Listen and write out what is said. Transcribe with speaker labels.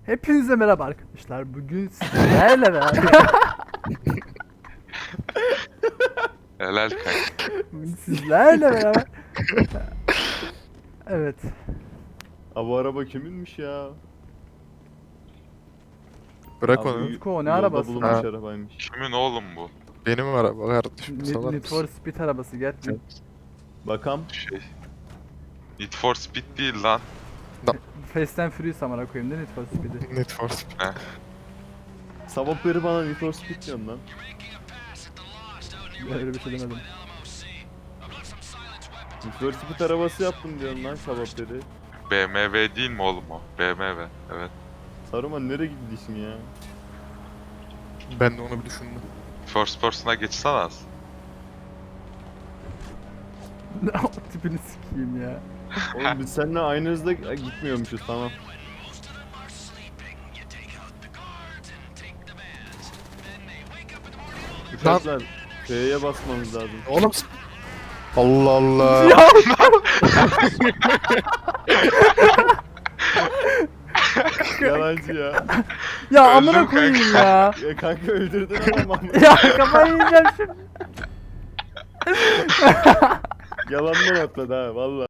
Speaker 1: Hepinize merhaba arkadaşlar. Bugün sizlerle beraber
Speaker 2: Helal kanka.
Speaker 1: bugün sizlerle beraber evet.
Speaker 3: Abi bu araba kiminmiş ya?
Speaker 4: Bırak
Speaker 3: Abi
Speaker 4: onu.
Speaker 1: Utku, ne
Speaker 3: yolda
Speaker 1: arabası?
Speaker 3: bulunmuş
Speaker 4: Ha.
Speaker 3: arabaymış.
Speaker 2: Kimin oğlum bu?
Speaker 4: Benim araba kardeşim. Salar
Speaker 1: Need for
Speaker 4: mısın?
Speaker 1: Speed arabası gel.
Speaker 3: Bakam.
Speaker 2: Need for Speed değil lan.
Speaker 1: Fast and Furious amına koyayım değil Need for Speed'i.
Speaker 4: Need for Speed.
Speaker 3: Sabah beri bana Need for Speed diyorsun lan.
Speaker 1: Ben öyle bir şey demedim.
Speaker 3: Need for Speed arabası yaptım diyorsun lan sabah beri.
Speaker 2: BMW değil mi oğlum o? BMW. Evet.
Speaker 3: Saruman nereye gidiyorsun ya?
Speaker 4: Ben de onu bir düşündüm.
Speaker 2: First person'a geçsene az.
Speaker 1: O tipini sikeyim ya.
Speaker 3: Oğlum biz seninle aynı hızda gitmiyormuşuz, tamam. Uçaklar F'ye basmamız lazım.
Speaker 4: Oğlum Allah Allah.
Speaker 1: Ya
Speaker 3: Yalancı ya.
Speaker 1: ya
Speaker 2: Öldüm
Speaker 1: amına koyayım ya.
Speaker 3: Ya kanka öldürdün adamı.
Speaker 1: Ya kafayı yiyeceğim şimdi.
Speaker 3: Yalandan atladı ha valla.